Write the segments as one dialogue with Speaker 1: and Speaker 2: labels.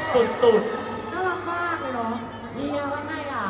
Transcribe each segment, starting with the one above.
Speaker 1: สุด
Speaker 2: น่ารักมากเลยเนาะ
Speaker 1: ๆเฮียว่าไงอ่ะ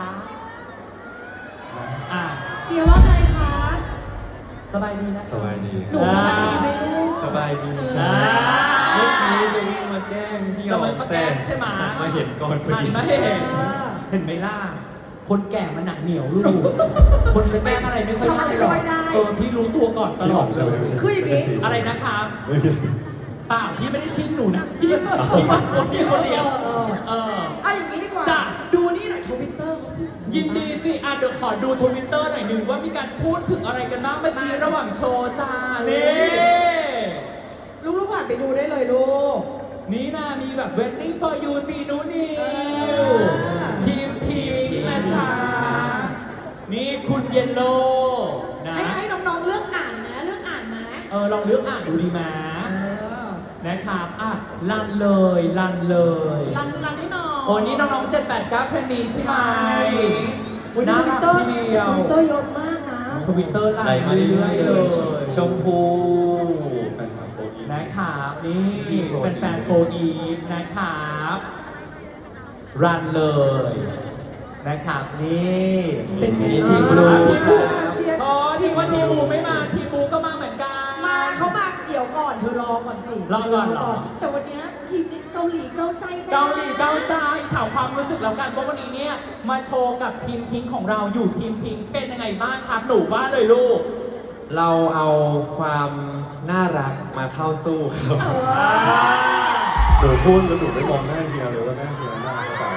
Speaker 1: อ่ะ
Speaker 2: เฮียว่าไงคะ
Speaker 1: สบายดีนะ
Speaker 3: สบายดี
Speaker 2: หนูสบายดีไหมลูก
Speaker 3: สบายดี
Speaker 1: อ่า
Speaker 3: เมื่อกี้จะวิ่งมาแกล้งพี่หย
Speaker 1: จะ
Speaker 3: อง
Speaker 1: มาแกล้งใช่ไหม
Speaker 3: มาเห็นก่อนพอ
Speaker 1: หัน
Speaker 3: ดี
Speaker 1: มาเห็นเห็นไหมล่ะคนแก่มันหนักเหนียวลูกคนจะแกล้งอะไรไม่ค่อย
Speaker 2: ทำอะไร
Speaker 1: หรอก
Speaker 2: ไม่ได้
Speaker 1: พี่รู้ตัวก่อนต
Speaker 3: พี่
Speaker 1: ล
Speaker 3: หย
Speaker 1: อ
Speaker 3: อ
Speaker 1: ด
Speaker 3: ง
Speaker 1: เล
Speaker 3: ใช่ไหม
Speaker 1: ย
Speaker 3: ไม่ใช่
Speaker 2: คืออย่างงี้
Speaker 1: อะไรนะครับ
Speaker 3: ไม่มี
Speaker 1: เปล่าพี่ไม่ได้ชิงหนูนะพี่มาตัวพี่คนเดียว
Speaker 2: เอาอย่างนี้ดีกว่า
Speaker 1: จ้ะ
Speaker 2: ดูนี่หน่อยทวิตเตอร์เขาพูดถึง
Speaker 1: ยินดีสิอ่ะเดี๋ยวขอดูทวิตเตอร์หน่อยหนึ่งว่ามีการพูดถึงอะไรกันบ้างเมื่อกี้ระหว่างโชว์จ้านี่
Speaker 2: ลูกๆผ่านไปดูได้เลยลูก
Speaker 1: นี่นะมีแบบ waiting for you ซีนูนิวทีมพิงค์นะจ๊ะนี่คุณเยลโลนะ
Speaker 2: ให้น้องๆเลือกอ่านนะเลือกอ่านนะ
Speaker 1: ลองเลือกอ่านดูดีมา นะครับอ่ะลันเลย
Speaker 2: รันให้หน่อย
Speaker 1: โอ้นี่น้องๆ789เทรนนีใช่ไหม
Speaker 2: อุ๊ย
Speaker 1: น่า
Speaker 2: ทวิ
Speaker 1: รั
Speaker 2: ต
Speaker 1: ก
Speaker 2: เตอร์
Speaker 1: ทีเดียว
Speaker 2: ทวิตเตอร์เยอะมากนะ
Speaker 1: ทวิตเตอร์ไล
Speaker 3: ไล่
Speaker 1: น์
Speaker 3: มา
Speaker 1: มา
Speaker 3: เรื่
Speaker 1: เรื่
Speaker 3: อ
Speaker 1: อย
Speaker 3: ย
Speaker 1: ๆ
Speaker 3: ๆ
Speaker 1: เล
Speaker 3: เลย ยชมพูแฟนคลับโฟอี
Speaker 1: นะครับนี่
Speaker 3: พี่โฟร์
Speaker 1: เป็นแฟนโฟอีฟนะครับรันเลยนะครับนี่เป็นไง
Speaker 3: ทีมบลู
Speaker 1: ทีมบู
Speaker 2: เชียร์
Speaker 1: อ๋อทีมว่าทีมบูไม่มาทีมบูก็มาเหมือนกัน
Speaker 2: มาเขามาเดี๋ยวก่อนเธอรอก่อนสิ
Speaker 1: รอก่อนเหรอ
Speaker 2: แต่วันเนี้ยทีมนี้เกาหลีเกาใจนะ
Speaker 1: เกาหลีเกาใจถามความรู้สึกแล้วกันว่าวันนี้เนี่ยมาโชว์กับทีมพิงค์ของเราอยู่ทีมพิงค์เป็นยังไงบ้างครับหนูว่าเลยลูก
Speaker 3: เราเอาความน่ารักมาเข้าสู้ครับ หนูพูดแล้วหนูไม่มองหน้าเฮียเลยว่าหน้าเฮียน่ารักกว่า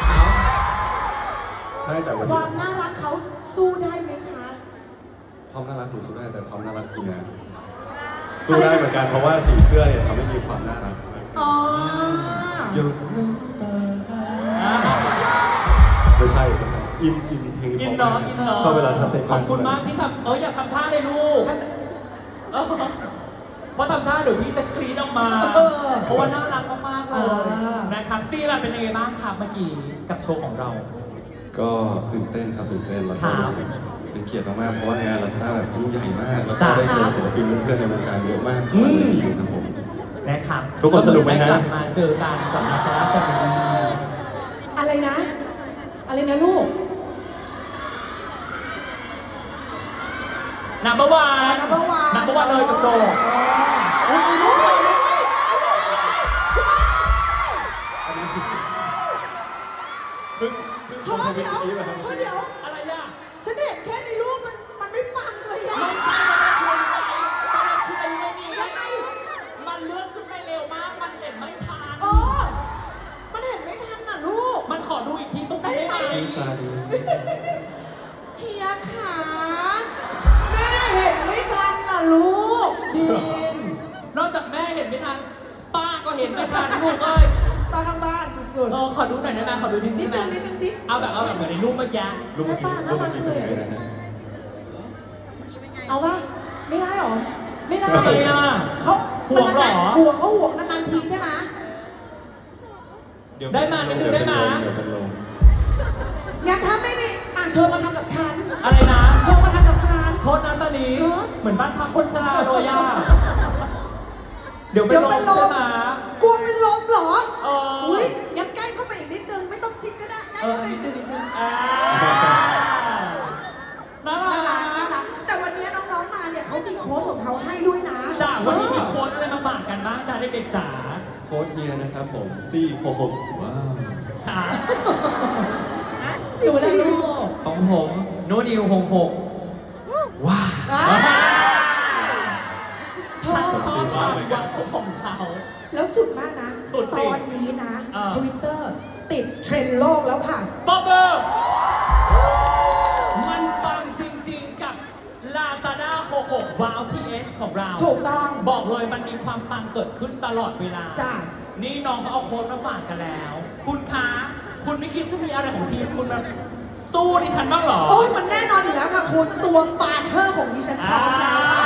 Speaker 3: ใช่แต่วัน
Speaker 2: ค
Speaker 3: นี้
Speaker 2: วามน่ารักเขาสู้ได้ไหมคะ
Speaker 3: ความน่ารักหนูสู้ได้แต่ความน่ารักเฮียสู้ได้เหมือนกันเพราะว่าสีเสื้อเนี่ยทำให้มีความน่ารักมากขึ้น
Speaker 2: อ๋อ
Speaker 3: หยุดน้ำตาไม่ใช่อินเพลง
Speaker 1: อินเนาะอินเนาะ
Speaker 3: ชอบเวลาทำเตะ
Speaker 1: ขอบคุณมากที่ทำอยากทำท่าเลยลูกเออเพราะทำท่าเดี๋ยวพี่จะกรี๊ดออกมา เพราะว่าน่ารักมากๆเลยนะครับซีล่ะเป็นยังไงบ้างครับเมื่อกี้กับโชว์ของเรา
Speaker 3: ก็ตื่นเต้นครับตื่นเต้นแล้ว
Speaker 1: ครั
Speaker 3: ก็
Speaker 1: บ
Speaker 3: รู้สึกเป็นเกียรติมากๆเพราะว่างานลักษณะแบบยิ่งใหญ่มาก แล้วก็
Speaker 1: จ้ะ
Speaker 3: ได้เจอศิลปินเพื่อนๆในวงการเยอะมาก
Speaker 1: อื
Speaker 3: ขอบ
Speaker 1: ม
Speaker 3: คุณครับผม
Speaker 1: นะครับ
Speaker 3: ทุกคนสนุกไหมฮะ
Speaker 1: กลับมาเจอกันกับมาซาร่าแฟมิลี่
Speaker 2: อะไรนะ อะไรนะลูก
Speaker 1: นัมเบอร์วัน
Speaker 2: Number one
Speaker 1: นัมเบอร์วันเลยจบอุ้ยลูก
Speaker 2: เธอเดี๋ยวเดี๋ยว
Speaker 1: อะไรอ่ะ
Speaker 2: ฉันเห็นแค่ในรูปมันไม่ปังเลยอะ
Speaker 1: ไม่ใช่ประเด็นคือเป็นไม่มี
Speaker 2: ยังไง
Speaker 1: มันเลื่อนขึ้นไปเร็วมาก มันเห็นไม่ทัน
Speaker 2: อ๋อมันเห็นไม่ทันน่ะลูก
Speaker 1: มันขอดูอีกทีตรงนี้ได้ไหม
Speaker 3: พี่ซาดี
Speaker 2: เฮียขาแม่เห็นไม่ทันน่ะลูก
Speaker 1: จริง นอกจากแม่เห็นไม่ทัน ป้าก็เห็นไม่ทันลูกเอ้ย
Speaker 2: ตาข้างบ้านสุด
Speaker 1: ขอดูหน่อยได้ไหมขอดูที
Speaker 2: ๆนิ
Speaker 1: นี้
Speaker 2: ด
Speaker 1: ได้
Speaker 2: นึง
Speaker 1: ไหม
Speaker 2: นิดนึงสิ
Speaker 1: เอาแบบเหมือนในรูปเมื่อกี้
Speaker 3: ลูกเมื่อกี้ลูกเมื่อกี้เป็นยังไงนะฮะ
Speaker 2: เอาปะไม่ได้หรอ ไม่ได้
Speaker 1: ทำไมอ่ะ
Speaker 2: เขา
Speaker 1: ห่วงเหรอ
Speaker 2: ห่วงก็ห่วงนานๆทีใช่ไหม
Speaker 1: ได้มานิดนึงได้มา
Speaker 3: เดี๋ยวเป็นลม
Speaker 2: งั้นถ้าไม่ได้เธอมาทำกับฉัน
Speaker 1: อะไรนะ
Speaker 2: เธอมาทำกับฉัน
Speaker 1: โทษนะสนี
Speaker 2: เออ
Speaker 1: เหมือนบ้านพักคนชราเลยอ่ะเดี๋ยวเป็นลมใช่ไหม
Speaker 2: กลัวเป็นลมเหรอ
Speaker 1: เออ
Speaker 2: อุ้ยงั้นใกล้เข้าไปอีกนิดนึงไม่ต้องชิดก็ได้ใกล้เข้าไปอีกนิดนึง
Speaker 1: น่า
Speaker 2: น่า
Speaker 1: รั
Speaker 2: รักน่าก รักแต่วันนี้น้องๆมาเนี่ยเขามีโค้ดของเขาให้ด้วยนะ
Speaker 1: จ้าวันนี้มีโค้ดอะไรมาฝากกันบ้างจ้าเด็กๆจ๋า
Speaker 3: โค้ดเฮียนะครับผม466ว้าว
Speaker 1: ค่ะ
Speaker 2: อยู่แล้วลูก
Speaker 1: ของผมโนนิว66ว้าว
Speaker 2: เธอ
Speaker 1: ชอบความว้าวของเขา
Speaker 2: แล้วสุดมากนะ
Speaker 1: สุด
Speaker 2: ต
Speaker 1: สิ
Speaker 2: อนนี้นะ
Speaker 1: เออ
Speaker 2: ทวิตเตอร์ติดเทรนด์โลกแล้วค่ะ
Speaker 1: บ๊อบเบอร์มันปังจริงๆกับ Lazada 66 Wow TH ของเรา
Speaker 2: ถูกต้อง
Speaker 1: บอกเลยมันมีความปังเกิดขึ้นตลอดเวลา
Speaker 2: จ้ะ
Speaker 1: นี่น้องเขาเอาโค้ดมาฝากกันแล้ว คุณคะคุณไม่คิดจะมีอะไรของทีมคุณมาสู้ดิฉันบ้างเหรอ
Speaker 2: โอ้ยมันแน่นอนอยู่แล้วค่ะคุณตัวฟาเธอร์ของดิฉันพร้อมแล้วค่ะ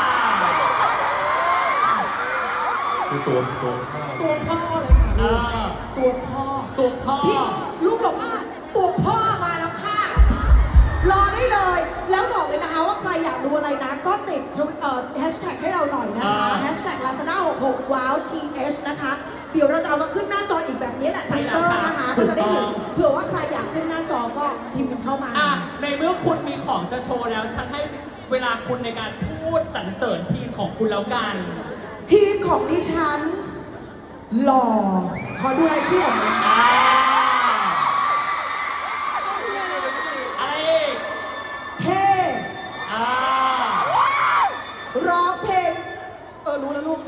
Speaker 3: คือตัวพ่อ
Speaker 2: ตัวพ่อเลยค่ะลูก
Speaker 1: อ่า
Speaker 2: ตัวพ่อ
Speaker 1: ตัวพ่อ
Speaker 2: พี่ลูกหลงมาตัวพ่อมาแล้วค่ะ รอได้เลย แล้วบอกเลยนะคะว่าใครอยากดูอะไรนะ ก็ติดแฮชแท็กให้เราหน่อยนะคะแฮชแท็ก Lazada 66 Wow TH นะคะเดี๋ยวเราจะเอามาขึ้นหน้าจออีกแบบนี้แหละ
Speaker 1: ใช่
Speaker 2: ทวิต
Speaker 1: แล้ว
Speaker 2: เตอร์
Speaker 1: ค่ะ
Speaker 2: นะคะ
Speaker 1: ถู
Speaker 2: ก็
Speaker 1: ก
Speaker 2: จะได้
Speaker 1: ต้อง
Speaker 2: เห็นเผื่อว่าใครอยากขึ้นหน้าจอก็พิมพ์กันเข้ามา
Speaker 1: อ่ะในเมื่อคุณมีของจะโชว์แล้วฉันให้เวลาคุณในการพูดสรรเสริญทีมของคุณแล้วกัน
Speaker 2: ทีมของดิฉันหล่อขอดูรายชื่อหน่อยนะ
Speaker 1: อ่าอะไรอีก
Speaker 2: เท่
Speaker 1: อ่า
Speaker 2: ร้องเพลงรู้แล้วลูก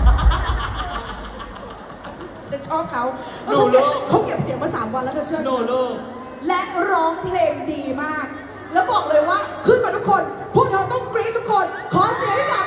Speaker 2: ฉันชอบเขาเขาเก็บเสียงมา3 วันแล้วเธอเชื่อ
Speaker 1: โนลูก
Speaker 2: และร้องเพลงดีมาก แล้วบอกเลยว่าขึ้นมาทุกคน พวกเธอต้องกรี๊ดทุกคน ขอเสียงให้กับ